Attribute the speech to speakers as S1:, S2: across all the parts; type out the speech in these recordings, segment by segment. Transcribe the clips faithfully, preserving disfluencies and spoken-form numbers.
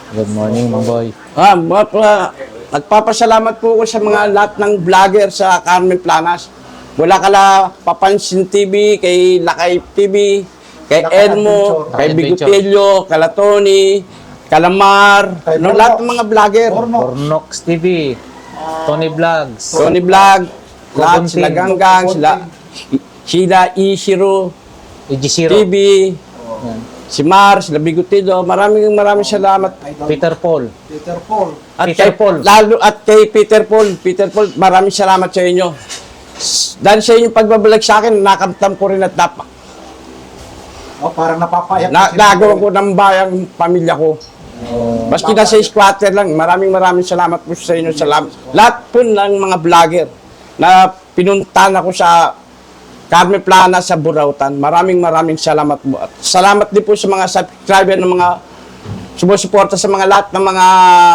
S1: Good morning, Mang Boy.
S2: Ah, ma- pa- nagpapasalamat po ako sa mga lahat ng vlogger sa Carmen Planas. Wala kala Papansin T V, kay Lakay T V, kay
S3: Lakay
S2: Elmo,
S3: Adventure.
S2: kay
S1: Lakay
S2: Bigotilio, kala Tony, Kalamar,
S3: Kay
S2: no,
S3: Bornox.
S2: lahat ng mga vlogger.
S3: Bornox.
S1: Bornox T V, Tony Vlogs,
S2: Tony Vlog, lahat
S1: Kubuntin.
S2: sila Ganggang, sila sila Ishiro,
S1: E G Zero,
S2: T V, si Mars, sila Bigotilio. Maraming maraming salamat.
S1: Peter Paul.
S3: Peter Paul.
S2: At
S1: Peter
S2: kay,
S1: Paul.
S2: Lalo at kay Peter Paul. Peter Paul, maraming salamat sa inyo. S- Dahil sa inyong pagbabalag sa akin, nakamtam ko rin at napa,
S3: Oh, parang napapayak.
S2: na,
S3: kasi
S2: nagawa
S3: Mang
S2: ko ng bayang pamilya ko. Maski na sa squatter lang, maraming maraming salamat po sa inyo. Salamat. Lahat po ng mga vlogger na pinuntahan ako sa Carmen Plana sa Burautan. Maraming maraming salamat po. At salamat din po sa mga subscriber ng mga sumusuporta sa mga lahat ng mga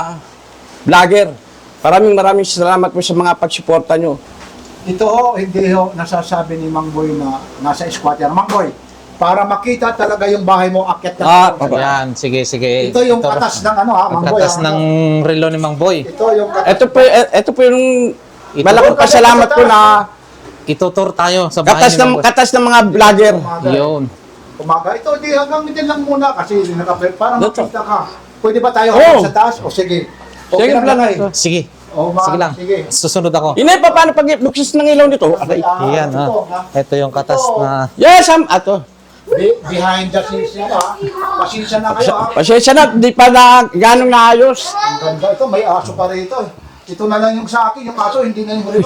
S2: vlogger. Maraming maraming salamat po sa mga pagsuporta nyo.
S3: Ito ho, hindi ho nasasabi ni Mang Boy na nasa squatter. Mang Boy, para makita talaga yung bahay mo, akyat ka.
S2: Ah,
S3: sa-
S2: papa.
S1: Yan, sige, sige.
S3: Ito yung katas ng ano ha,
S1: Ang
S3: Mang Boy.
S1: katas
S3: ha?
S1: ng relo ni Mang Boy.
S3: Ito yung katas.
S2: Ito po, ito po yung
S1: Ito.
S2: malaking pasalamat ko na
S1: Itutur tayo sa bahay
S2: katas
S1: ni Mang
S2: ng
S1: Boy.
S2: katas ng mga vlogger.
S3: Umaga.
S1: Yun.
S3: Umaga. Ito, di hanggang din lang muna kasi nakapit. Para
S2: Dito.
S3: makita ka. Pwede ba tayo
S2: Oo.
S3: hanggang sa taas? O sige. Okay
S2: Sige,
S3: lang
S2: plan.
S3: lang eh.
S1: Sige.
S3: O, ma-
S1: Sige lang.
S3: Sige.
S1: Susunod ako.
S2: Inay, pa paano pag buksis ng ilaw nito? Aray.
S3: Ah,
S1: Yan,
S3: ito,
S1: ha.
S3: ha?
S1: Ito yung katas
S3: Ito.
S1: na...
S2: Yes, am ato.
S3: Be- behind the scenes nyo ha. Pasensya na kayo ha.
S2: Pasensya na, di pa na ganong naayos.
S3: Ang ganda ito, may aso pa rito. Ito na lang yung sa akin, yung aso hindi na yung rito.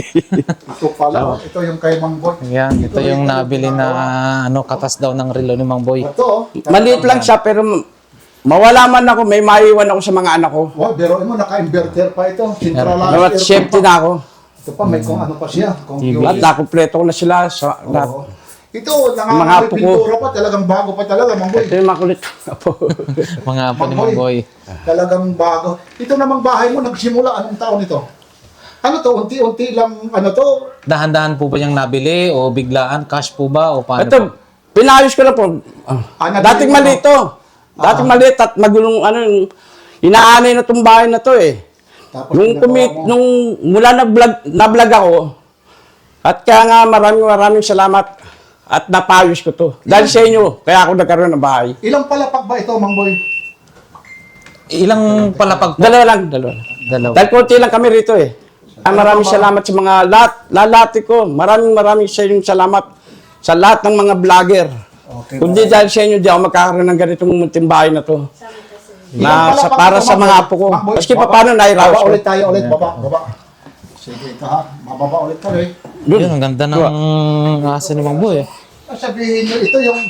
S3: Ito pala, ito yung kay Mang Boy.
S1: Yan, ito yung nabili na ano katas daw ng relo ni Mang Boy.
S3: Ito, oh.
S2: Maliit lang siya, pero mawala man ako, may maiwan ako sa mga anak ko.
S3: Wow, pero mo, naka-inverter pa ito. Centralized
S2: Dapat
S3: aircon
S2: safety
S3: pa.
S2: na ako.
S3: Ito pa, may kung ano pa siya.
S2: Lahat
S3: Computer.
S2: nakumpleto ko na sila. Sa, lahat.
S3: Oo. Ito,
S2: Mga
S3: nangangalit
S2: apo ko.
S3: pintura pa. Talagang bago pa talaga, Mang Boy.
S2: Ito yung makulit. Apo.
S1: Mga apo ni Mang Boy.
S3: Talagang bago. Ito namang bahay mo, nagsimula anong taon ito? Ano to? Unti-unti lang, ano to?
S1: Dahan-dahan po ba niyang nabili o biglaan? Cash po ba o paano po?
S2: Ito, pinayos ko na po.
S3: Ah, nabili
S2: Dating
S3: mo
S2: maliit to. Dating maliit at magulong ano, yung inaanay na itong bahay na to eh.
S3: Tapos
S2: Nung
S3: ginagawa
S2: kumit,
S3: mo.
S2: nung mula na vlog, na vlog ako, at kaya nga maraming maraming salamat at napayos ko to. Dahil sa inyo, kaya ako nagkaroon ng bahay.
S3: Ilang palapag ba ito, Mang Boy?
S1: Ilang palapag po?
S2: Dalawa lang, dalawa lang.
S1: Dalawa.
S2: Dahil konti lang kami rito eh. Ah, maraming salamat sa mga lahat, lalati ko. Maraming maraming sa inyong salamat sa lahat ng mga vlogger.
S3: Okay.
S2: Kundi dahil sa inyo, di ako magkakaroon ng ganitong munting bahay na to.
S3: Ilang
S2: Na sa,
S3: palapag
S2: para
S3: ito,
S2: sa
S3: Mang
S2: mga
S3: Boy?
S2: apo ko.
S3: Mang Boy,
S2: Maski pa
S3: baba.
S2: paano nairaos
S3: Baba
S2: ko.
S3: ulit tayo ulit, baba, baba. Sige, ito ha. Mababa ulit tayo eh.
S1: Yun, ang ganda ng asa ni Mang Boy. eh.
S3: Sabihin nyo, ito yung...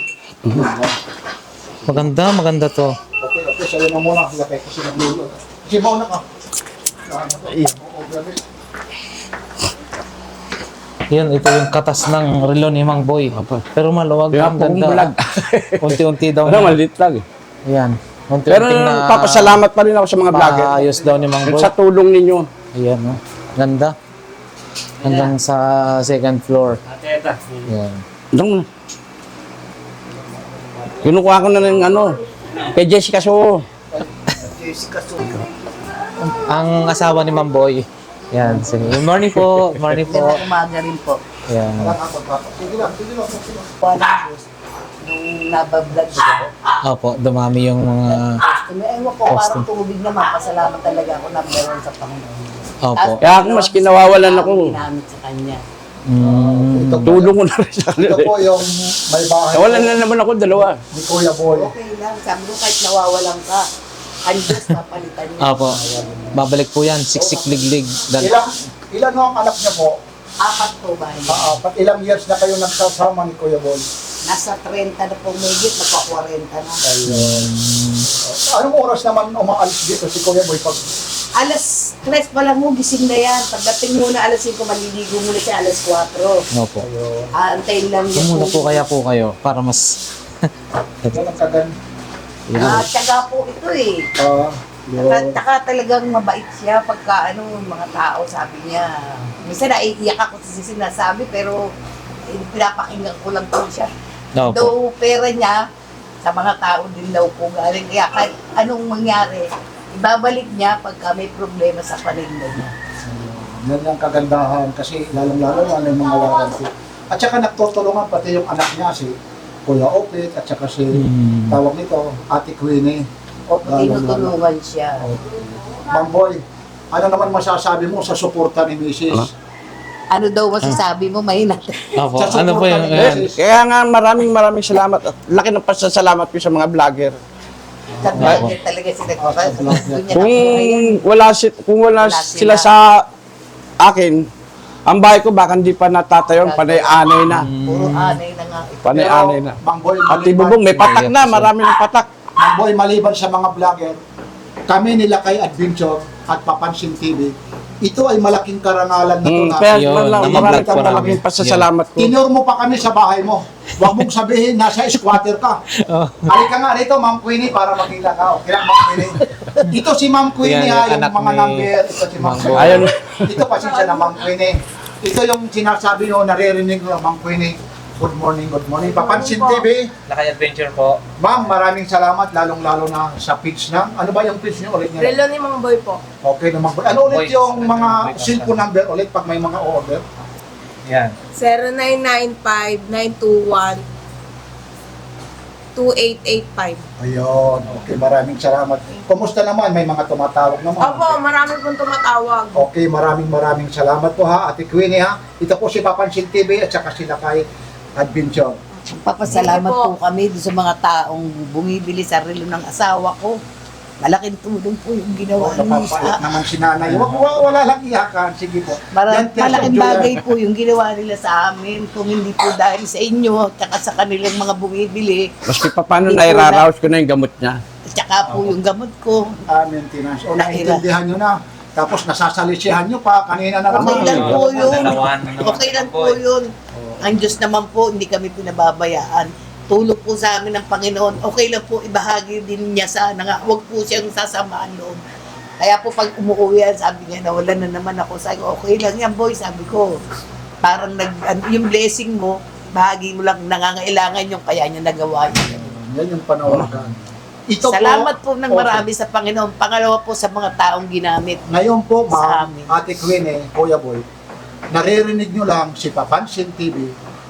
S1: Maganda, maganda to.
S3: Okay, okay, sa'yo na muna. Lakay kasi naglulo. Kasi mauna ka.
S1: Yan, ito yung katas ng relo ni Mang Boy. Pero maluwag,
S2: Kaya
S1: ang
S2: po kong vlog.
S1: ganda. Unti-unti daw
S2: Ano,
S1: na.
S2: maliit lang eh.
S1: Yan. Unti-unti
S2: Pero
S1: na
S2: papasalamat pa rin ako sa mga vlogger.
S1: paayos daw ni Mang Boy.
S2: Sa tulong ninyo.
S1: Ayan, oh. Ganda. Hanggang sa second floor. Yan.
S2: Doon. Kinukuha ko na ng ano, kay Jessica So.
S1: Ang asawa ni Mang Boy. Yan, sige. Good morning po. Good morning po.
S4: Magandang umaga rin po.
S1: Yan.
S3: Sige lang, sige lang. sige lang.
S4: Paano nung nabablog ko,
S1: Opo, dumami yung mga...
S4: customer, ewan ko, parang tubig naman, pasalamat talaga ako number one sa Panginoon.
S1: Opo.
S2: Kaya ako maski nawawalan ako,
S4: Ginamit sa kanya.
S1: Mm,
S3: Ito po,
S2: tulong ko na rin sa
S3: ito
S2: kanila.
S3: po yung may bahay
S2: Nawalan na naman ako dalawa.
S3: ni Kuya Boy.
S4: Okay lang, sabi ko kahit nawawalan ka, ang Diyos papalitan niya.
S1: opo. Babalik po yan. Siksik liglig. Dan-
S3: Ilang, ilan ho ang anak niya po?
S4: Apat po ba?
S3: Ah, Apat ilang years na kayo nagsasama ni Kuya Boy?
S4: Nasa thirty na po megit, magpa-forty na.
S3: Anong oras naman umaalis dito si Kuya Boy pag
S4: Alas tres pa lang mo, gising na yan. Pagdating muna alas cinco, maliligo muna siya alas four.
S1: Opo.
S4: Aantayin lang niya
S1: Muna po kaya po kayo para mas...
S3: walang kagan?
S4: Ah, tiyaga po ito eh.
S3: Ah,
S4: Saka, saka talagang mabait siya pagka ano, mga tao, sabi niya. Minsan naiiyak ako sa sinasabi, pero eh, pinapakinggan ko lang po siya.
S1: Opo.
S4: Though pera niya, sa mga tao din daw po galing. Kaya kahit anong mangyari, ibabalik niya pagka may problema sa paninda niya.
S3: Yan ang kagandahan kasi lalong-lalo ano yung mga warranty. At saka nagtutulungan pati yung anak niya si Kuya Opit at saka si
S1: Hmm.
S3: tawag nito Ate Queenie.
S4: O tinutulungan siya.
S3: Ma'am Boy, ano naman masasabi mo sa suporta ni Missus?
S4: Ano daw masasabi mo, mahina.
S1: Opo,
S3: Sa
S1: ano po
S3: suporta
S1: yung...
S3: ni
S1: ayan.
S3: Missus?
S2: Kaya nga maraming maraming salamat at laki ng pasasalamat ko sa mga vlogger.
S4: Sa vlogger talaga sila.
S3: Ah, sa vlogger.
S4: Doon niya
S2: Kung
S4: nakuha.
S2: wala si kung wala,
S4: Wala
S2: sila
S4: sila.
S2: sa akin, ang bahay ko baka hindi pa natatayo, panay-anay na.
S4: Puro anay na nga ito.
S2: Panay-anay na.
S3: Ma'am Boy,
S2: At
S3: maliban-
S2: ibubong, may patak na, marami ng patak.
S3: Ma'am Boy, maliban sa mga vlogger, kami nila kay Adventure at Papansin T V, ito ay malaking karangalan na ito
S2: Hmm,
S3: na
S2: kaya
S1: Yun,
S2: man lang,
S1: namablog
S2: marami
S1: po
S2: kang
S1: namin.
S2: malaking pasasalamat ko.
S3: tinure mo pa kami sa bahay mo. Huwag mong sabihin, nasa squatter ka.
S1: Oh.
S3: Halika nga rito, Ma'am Queenie, para makita ka. Okay lang, Ma'am Queenie. Ito si Ma'am Queenie,
S1: Yan,
S3: ha,
S1: yung
S3: yung
S1: anak
S3: mga
S1: ni
S3: number. Ito si Ma'am
S1: Ma'am
S3: Queenie.
S2: Ayun.
S3: Ito, pasensya na, Ma'am Queenie. Ito yung sinasabi nyo, naririnig nyo, Ma'am Queenie. Good morning, good morning. Papansin T V,
S1: Lakay Adventure po.
S3: Ma'am, maraming salamat, lalong-lalo na sa pitch na. Ano ba yung pitch nyo ulit nyo?
S5: Relo ni Mang Boy po.
S3: Okay naman. Ano ulit
S1: Boy,
S3: yung mga
S1: boy,
S3: cellphone number ulit pag may mga order?
S1: Yan.
S5: zero nine nine five nine two one two eight eight five.
S3: Ayun. Okay, maraming salamat. Kumusta naman? May mga tumatawag naman.
S5: Opo, marami pong tumatawag.
S3: Okay, maraming maraming salamat po ha, Ate Queenie ha. Ito po si Papansin T V at saka sila kay Adventure.
S4: Papasalamat
S5: Thank you
S4: po kami doon sa mga taong bumibili sa relo ng asawa ko. Malaking tulong po yung
S3: Oh,
S4: ginawa niyo
S3: napapait
S4: sa...
S3: naman si nanay. Wag, wag, wala lang iyakan. Sige po.
S4: Mara-
S3: Yan, Tess,
S4: malaking
S3: Julia.
S4: bagay po yung ginawa nila sa amin. Kung hindi po dahil sa inyo, at saka sa kanilang mga bumibili,
S2: Maski pa paano
S4: Hindi ko
S2: nairaraos ko na yung gamot niya.
S4: at saka po yung gamot ko.
S3: Ah, maintenance. O,
S4: Nahira.
S3: naiintindihan nyo na. Tapos nasasalisihan nyo pa. Kanina na naman.
S4: Okay lang po yun.
S1: Dalawan na naman
S4: Okay lang
S1: po,
S4: po
S1: eh.
S4: yun. Ang Diyos naman po, hindi kami pinababayaan. Tulog po sa amin ng Panginoon. Okay lang po, ibahagi din niya sana nga. Huwag po siyang sasamaan loob. Kaya po pag umuwi yan, sabi niya, nawalan na naman ako. Sabi ko, okay lang yan boy, sabi ko. Parang nag, an- yung blessing mo, bahagi mo lang nangangailangan yung kaya niya nagawa niya.
S3: Yan yung panawagan. Ito
S4: Salamat po ng
S3: Okay.
S4: marami sa Panginoon. Pangalawa po sa mga taong ginamit.
S3: Ngayon po,
S4: Sa
S3: ma'am,
S4: amin.
S3: Ate Queenie, Kuya Boy, naririnig nyo lang si Papansin T V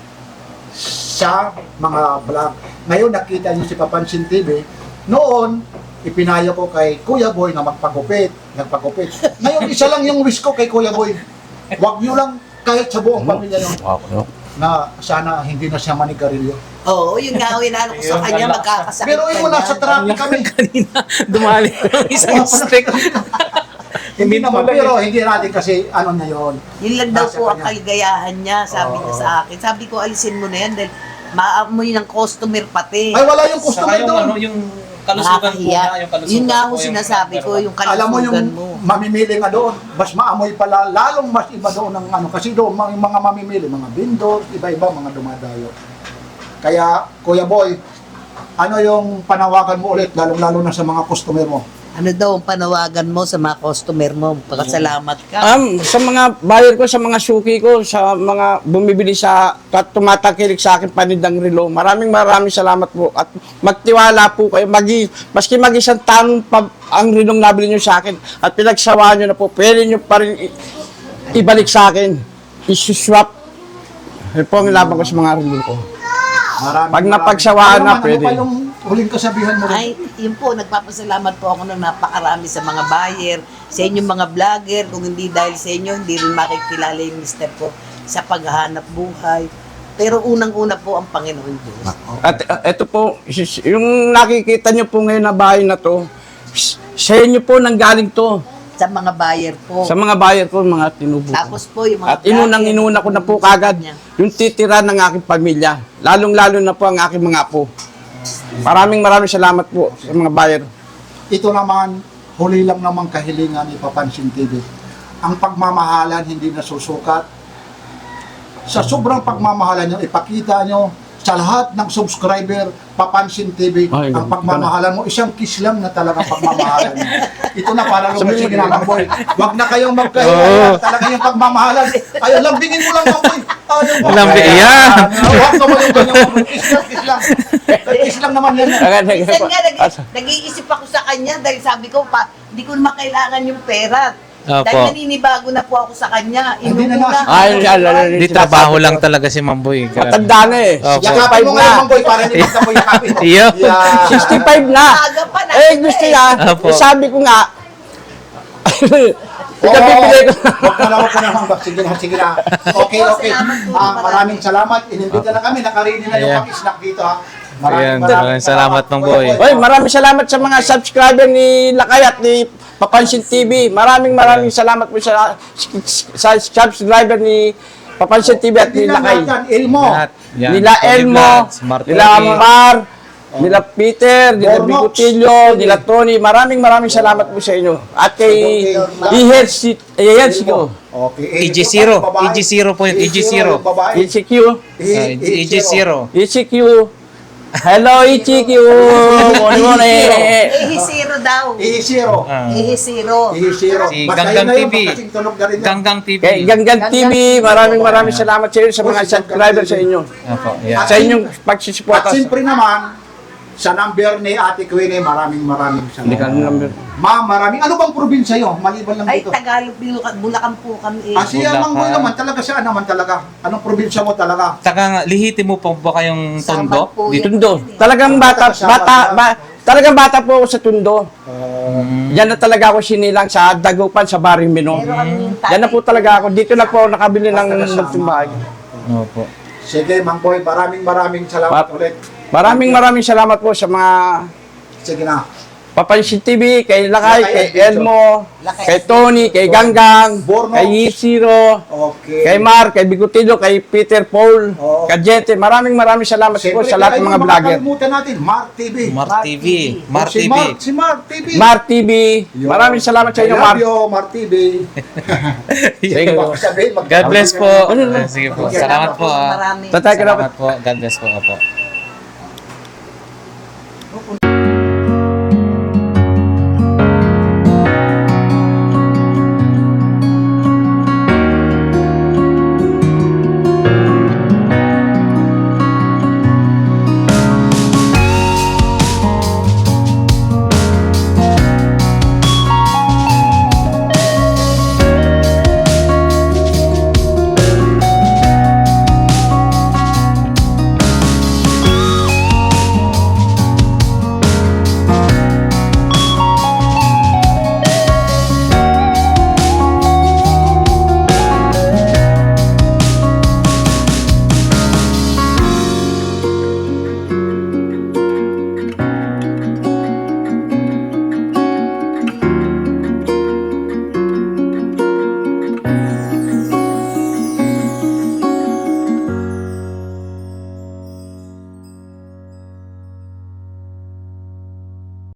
S3: sa mga vlog. Ngayon, nakita nyo si Papansin T V. Noon, ipinayo ko kay Kuya Boy na magpagupit. Nagpagupit. Ngayon, isa lang yung wish ko kay Kuya Boy. Huwag nyo lang kahit sa buong pamilya nyo na sana hindi na siya manigarilyo.
S4: Oo, yun nga, inano ko sa
S1: Yun,
S4: kanya,
S1: wala.
S4: magkakasakit
S3: Pero yun mo, nasa traffic kami.
S1: Kanina, dumali yung isang stick.
S3: Hindi naman, pero hindi natin kasi ano na yun.
S4: Yun lang daw
S3: Nasa
S4: po ang
S3: kanya.
S4: kaligayahan niya, sabi niya
S3: Oo.
S4: sa akin. Sabi ko, alisin mo na yan dahil maamoy ng customer pati.
S3: Ay, wala yung
S1: Saka
S3: customer
S1: yung,
S3: doon.
S1: ano, yung kalusugan po
S4: Nakakahiya.
S1: na, yung kalusugan
S4: Yun nga
S1: po,
S4: ako
S1: yung
S4: sinasabi ko,
S1: number
S4: yung
S3: Alam mo yung
S4: kalusugan mo.
S3: mamimili nga doon, mas maamoy pala, lalong mas iba doon ng ano, kasi doon mga, mga mamimili, mga vendors, iba-iba, mga dumadayo. Kaya, Kuya Boy, ano yung panawagan mo ulit, lalong-lalo na sa mga customer mo?
S4: Ano daw ang panawagan mo sa mga customer mo? Pakasalamat ka.
S2: Um, sa mga buyer ko, sa mga suki ko, sa mga bumibili sa, at tumatakilik sa akin panindang relo, maraming maraming salamat po. At magtiwala po kayo, magi, maski mag-isang taon pa ang relong nabili nyo sa akin, at pinagsawaan nyo na po, pwede nyo pa rin i- ibalik sa akin, isuswap. Yun po ang laban ko sa mga relo ko.
S3: Maraming,
S2: Pag
S3: maraming-
S2: napagsawaan
S3: Ano
S2: na,
S3: naman,
S2: pwede.
S3: Ano pa yung huling kasabihan mo rin?
S4: Ay, yun po, nagpapasalamat po ako ng napakarami sa mga buyer, sa inyong mga vlogger. Kung hindi dahil sa inyo, hindi rin makikilala yung mister ko sa paghahanap buhay. Pero unang-una po ang Panginoon Diyos.
S2: At uh, ito po, sis- yung nakikita nyo po ngayon na bahay na to, s- sa inyo po nanggaling to.
S4: Sa mga buyer po.
S2: Sa mga buyer ko, mga tinubo ko.
S4: Tapos po yung mga
S2: At inunang-inuna ko na po kagad yung titira ng aking pamilya. Lalong-lalo na po ang aking mga apo. Maraming maraming salamat po sa mga buyer.
S3: Ito naman, huli lang naman kahilingan ni Papansin T V. Ang pagmamahalan hindi nasusukat. Sa sobrang pagmamahalan nyo, ipakita nyo sa lahat ng subscriber, Papansin T V,
S2: Ay,
S3: ang
S2: ganun.
S3: pagmamahalan mo, isang kiss lang na talagang pagmamahalan mo. Ito na para lugar
S2: Sabi
S3: sa
S2: mo-
S3: ginamang boy. Huwag na kayong magkahiya. Talaga yung pagmamahalan. Ay, lambingin mo lang, Mamboy. Oh, yung
S1: Walang
S3: okay.
S1: yan.
S3: Ah, Huwag ka mo yung ganyan. Kiss lang, kiss lang. Kiss lang naman yan.
S4: Minsan nga, nag- nag-iisip ako sa kanya dahil sabi ko, pa, hindi ko naman kailangan yung pera.
S1: Opo.
S4: Dahil naninibago na po ako sa kanya.
S3: Hindi na
S4: Inuuna.
S3: nga-
S2: Ay, yan, yan, yan.
S1: Di trabaho lang talaga si Mamboy.
S2: Matanda na eh.
S1: Opo.
S3: Yakapin mo
S2: na.
S3: ngayon, Mang Boy, para hindi ka mo yakapin mo.
S1: Iyo.
S3: Yeah.
S2: sixty-five na.
S4: Aga pa na.
S2: Eh, gusto niya.
S1: Opo.
S2: Eh, sabi ko nga,
S3: Oo,
S2: ikabibigay ko.
S3: Huwag na lang, huwag ka na, Mang Boy. Sige na, sige na. Okay, okay.
S4: Salamat po,
S3: Ah,
S4: marami.
S3: maraming salamat. Inimbita na kami. Nakarini na yung
S1: Ayan.
S3: pag-snack dito, ha.
S1: Ayan, maraming salamat, Mang Boy.
S2: Oy, maraming salamat sa mga subscriber ni Lakay at ni Papansin T V. Maraming maraming salamat po sa, sa subscriber ni Papansin T V at ni
S3: Hindi lang
S2: Lakay.
S3: lahat yan, Elmo.
S1: Lahat. Yan.
S2: Nila
S1: Tony
S2: Elmo,
S1: Vlogs, Smart
S2: nila
S1: T V.
S2: Amar, nila Peter, nila
S3: Bornox.
S2: Bigotillo, nila Tony. Maraming maraming salamat po sa inyo. At kay Iher si Iher si ko.
S3: Okay.
S1: E G zero. E G zero po yun. E G zero.
S3: Babae.
S2: E C Q.
S1: Ah, E G zero.
S2: E C Q. Hello E C Q. Morning morning.
S4: Ihi zero daw.
S3: E zero.
S1: Ah.
S4: Ihi zero.
S3: E zero.
S1: Si
S3: Basta
S1: Ganggang
S3: yun na yun,
S1: T V.
S3: kasing tunog na rin yan.
S1: Ganggang T V.
S2: Kay Ganggan T V, maraming maraming salamat sa inyo sa mga subscriber sa inyo.
S1: Opo, yan.
S2: Sa inyong
S3: At
S2: pagsusuporta.
S3: siyempre naman, sa number ni Ate Queenie, maraming maraming
S2: Hindi ka
S3: salamat.
S2: number.
S3: Ma'am, maraming. Ano bang probinsya yun? Maliban lang
S4: Ay,
S3: dito.
S4: Tagalog, Bulacan, Bulacan po kami eh.
S3: Ah, siya
S1: Bulacan.
S3: Mang Boy naman talaga siya naman talaga. Anong probinsya mo talaga?
S1: Taka, lihitin mo pa ba kayong tondo?
S4: Saman po
S1: Dito.
S4: yan.
S2: Tundo. Talagang bata, bata, ba, talagang bata po ako sa Tundo. Yan na talaga ako sinilang sa Dagupan, sa Barrio Mino.
S4: Pero ang
S2: Yan na po talaga ako. Dito na po ako nakabili ng nagtumbahay.
S1: Opo.
S3: Sige, Mang Boy, maraming maraming salamat
S2: Pa-
S3: ulit.
S2: Maraming maraming salamat po sa mga
S3: Sige na.
S2: Papansin T V, kay Lakay,
S3: Lakay
S2: kay
S3: Adventure.
S2: Elmo,
S4: Lakay
S2: kay Tony, kay Ganggang,
S3: Bornox.
S2: kay Yisiro,
S3: Okay.
S2: kay Mar, kay Bigotillo, kay Peter Paul,
S3: Oo.
S2: kay Jete. Maraming maraming salamat po
S3: Siyempre,
S2: sa lahat ng
S3: kaya
S2: mga
S3: yung
S2: vlogger.
S3: makakalimutan natin, Mark T V.
S1: Mar T V. Mar
S3: Oh, si
S1: T V.
S3: Mark, si Mark T V.
S2: Mar T V,
S3: Yo.
S2: maraming salamat sa inyo,
S3: I
S2: Mar.
S3: love you, Mark T V.
S2: Sige po.
S3: Baka sabihin, mag-
S1: God bless po.
S2: Ano na?
S1: Sige po.
S3: Okay.
S1: Salamat po. ah.
S4: Marami.
S2: Tatay ka
S1: Salamat
S2: dapat.
S1: po. God bless po. Opo.